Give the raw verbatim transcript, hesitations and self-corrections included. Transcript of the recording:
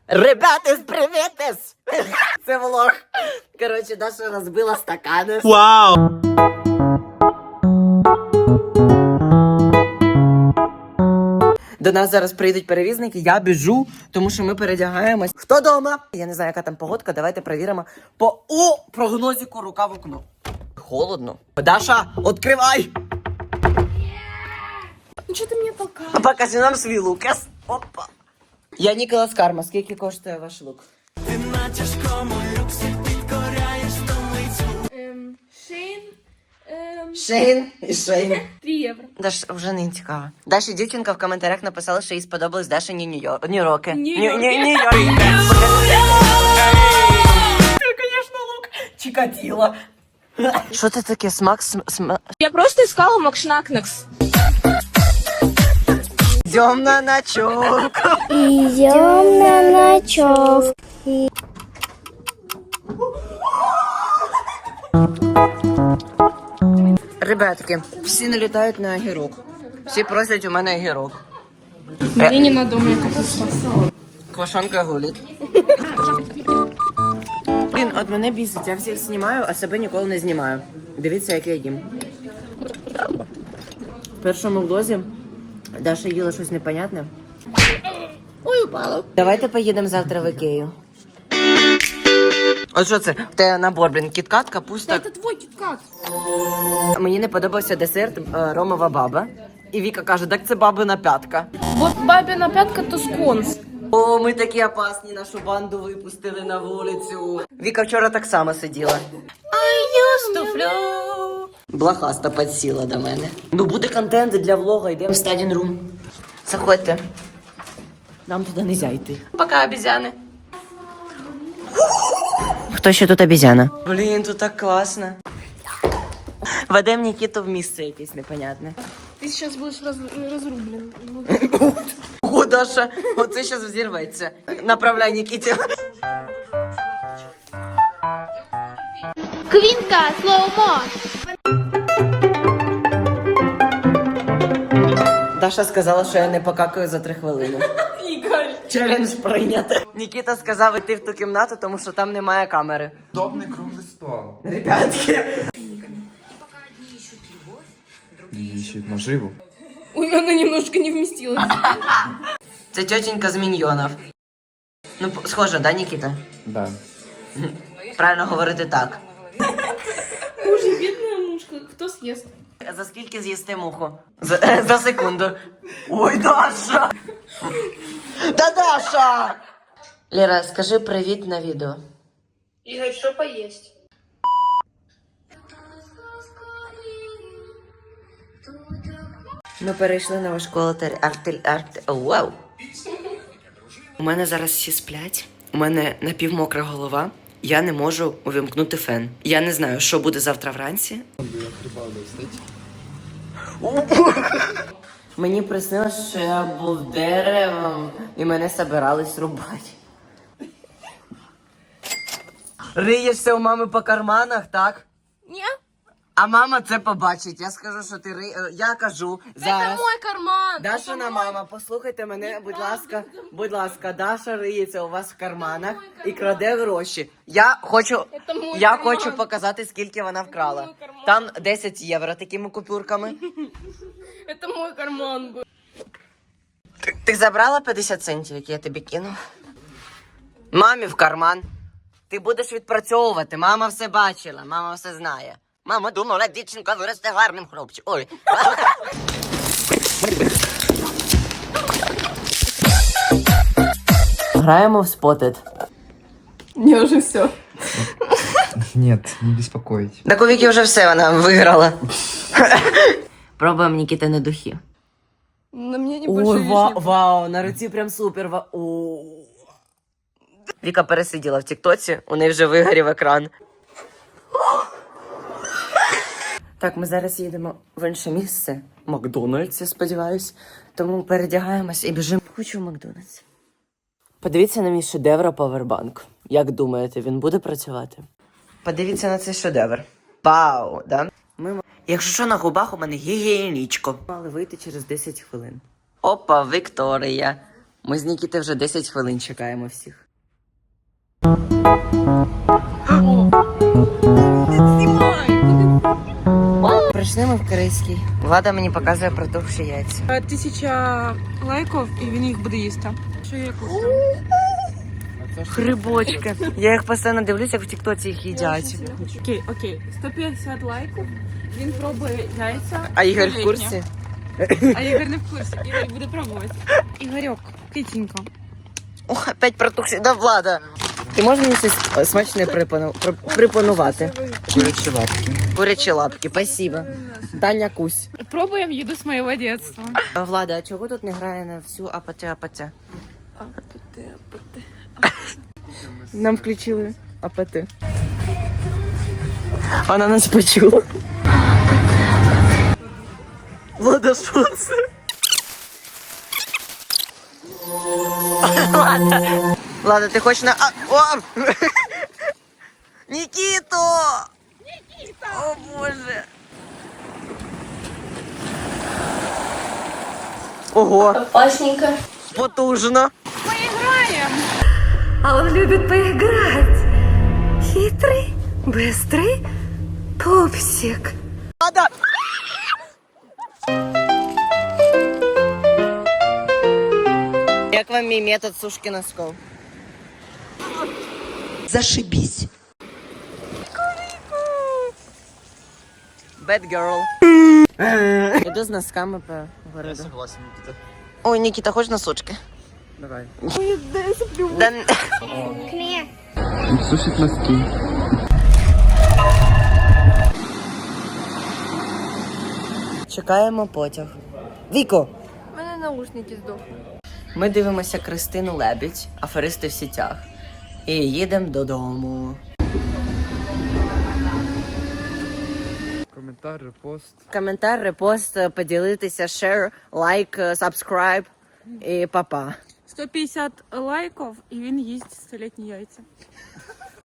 Ребятис, привітис! Це влог. Коротше, Даша розбила стакани. Вау! До нас зараз прийдуть перевізники, я біжу, тому що ми передягаємось. Хто дома? Я не знаю, яка там погодка, давайте перевіримо по у прогнозику рука в окно. Холодно. Даша, відкривай! Ну що ти мені толкаєш? Покажи нам свій лукас. Опа. Я Ніколас Карма. Скільки коштує ваш лук? Ти на тяжкому люксі підкоряєш столицю. Ем, Шейн. Ем, Шейн і Шейн. три євро. Даш, вже не цікаво. Даші дівчинка в коментарях написала, що їй сподобались Дашині Нью-Йорк. Нью-Йорки. Нью-Йорки. Нью-Йорк. Це, звісно, лук. Чикатило. Що це таке? Смак? См... Я просто искала Макшнакнекс. Йдем на ночок. Идем на ночевку. Ребятки, всі налітають на огірок. Всі просять у мене огірок. Мені не надо, у мене капуста. Квашонка гулить. Блін, от мене бісить, я всіх знімаю, а себе ніколи не знімаю. Дивіться, як я їм. В першому влозі Даша їла щось непонятне. Ой, упала. Давайте поїдемо завтра в Ікею. От що це? В тебе набор, блін, кіткат, капуста. Это твой киткат. Мені не подобався десерт е, Ромова баба. І Віка каже, так це бабина п'ятка. Вот бабина пятка то сконс. О, ми такі опасні, нашу банду випустили на вулицю. Віка вчора так само сиділа. I used to flow. Блохаста підсіла до мене. Ну буде контент для влога, йдемо в стадін рум. Заходьте. Нам туди не зайти. Пока, обезьяни. Хто ще тут обезьяна? Блін, тут так класно. Ведем Нікіту в місце якесь непонятне. Ты сейчас будешь раз, разрублен. О, Даша, оце зараз взірветься. Направляй Нікіті. Квинка, слоумо. Даша сказала, що я не покакаю за три хвилини. Игорь. Челендж прийнято. Нікіта сказав йти в ту кімнату, тому що там немає камери. Удобный круглый стол. Ребятки. Ищет наживу. Ой, она немножко не вместилась. Це тетенька з міньйонів. Ну, п- схоже, да, Нікіта? Да. Правильно говорити так. Боже, бедная мушка, кто съест? За скільки з'їсти муху? За, за секунду. Ой, Даша! Та Даша! Лера, скажи привіт на відео. Игорь, что поесть? Ми перейшли на важку артиль... артиль... арт... Вау! У мене зараз всі сплять. У мене напівмокра голова. Я не можу увімкнути фен. Я не знаю, що буде завтра вранці. Мені приснилось, що я був деревом і мене собирались рубати. Риєшся у мами по карманах, так? Не, А мама це побачить. Я скажу, що ти ри... е, Я кажу зараз. это мой карман. Дашина Это мама, послухайте мене, будь ласка, будь ласка, Даша риється у вас в карманах і краде гроші. Я хочу, Це мой я карман. хочу показати, скільки вона вкрала. мой карман. Там десять євро такими купюрками. Это мой карман был. Ти, ти забрала п'ятдесят центів, які я тобі кинув? Мамі в карман. Ти будеш відпрацьовувати, мама все бачила, мама все знає. Мама думала, дівчинка виросте гарним хлопчиком. Ой. Граємо в Spotted. Мне уже все. Нет, не беспокоить. Так у Віки вже все, вона виграла. Пробуємо Нікіти на духі. На мне не Ой, больше ва- вау, на руці прям супер. ва- о. Віка пересиділа в тіктоці, у неї вже вигорів екран. Так, ми зараз їдемо в інше місце. Макдональдс, я сподіваюсь. Тому передягаємось і біжимо. Хочу в Макдональдс. Подивіться на мій шедевр павербанк. Як думаєте, він буде працювати? Подивіться на цей шедевр. Вау, да? Ми... Якщо що, на губах у мене гігієнічко. Мали вийти через десять хвилин. Опа, Вікторія. Ми з Нікіти вже десять хвилин чекаємо всіх. Прийшли ми в Корейський. Влада мені показує протухші яйця. Тисяча лайків і він їх буде їсти. Що я куплю? Грибочки. Я їх постійно дивлюся, як в тіктоці їх їдять. Окей, окей. сто п'ятдесят лайків. Він пробує яйця. А Ігор в столітні. курсі? А Ігор не в курсі. Ігор буде пробувати. Ігорьок, китенько. О, опять протухші. Да, Влада. Ти можеш мені щось смачне припану... при- припанувати? Курячие лапки. Курячі лапки, спасибо. Таня Кусь. Пробуємо їду з моєго дитинства. А, Влада, а чого тут не грає на всю АПТ-АПТ? Нам включили АПТ. Вона нас почула. Влада, що це? Влада. Влада, ти хочеш на... А, о! Нікіто! Нікіто! О, Боже! Ого! Опасненько. Потужно! А он любит поиграть. Хитрый, быстрый пупсик. Влада! Як вам мій метод сушки носков? Зашибись. Bad girl. Іду з носками по городу. Согласен, Никита. Ой, Нікіта, хочеш носочки? Давай. Да... Сушить носки. Чекаємо потяг. Віко! У мене наушники здохли. Ми дивимося Кристину Лебідь, аферисти в сітях. І їдемо додому. Комментарий, репост. Коментар, репост, поділитися, share, лайк, subscribe і папа. сто п'ятдесят лайків і він їсть столітні яйця.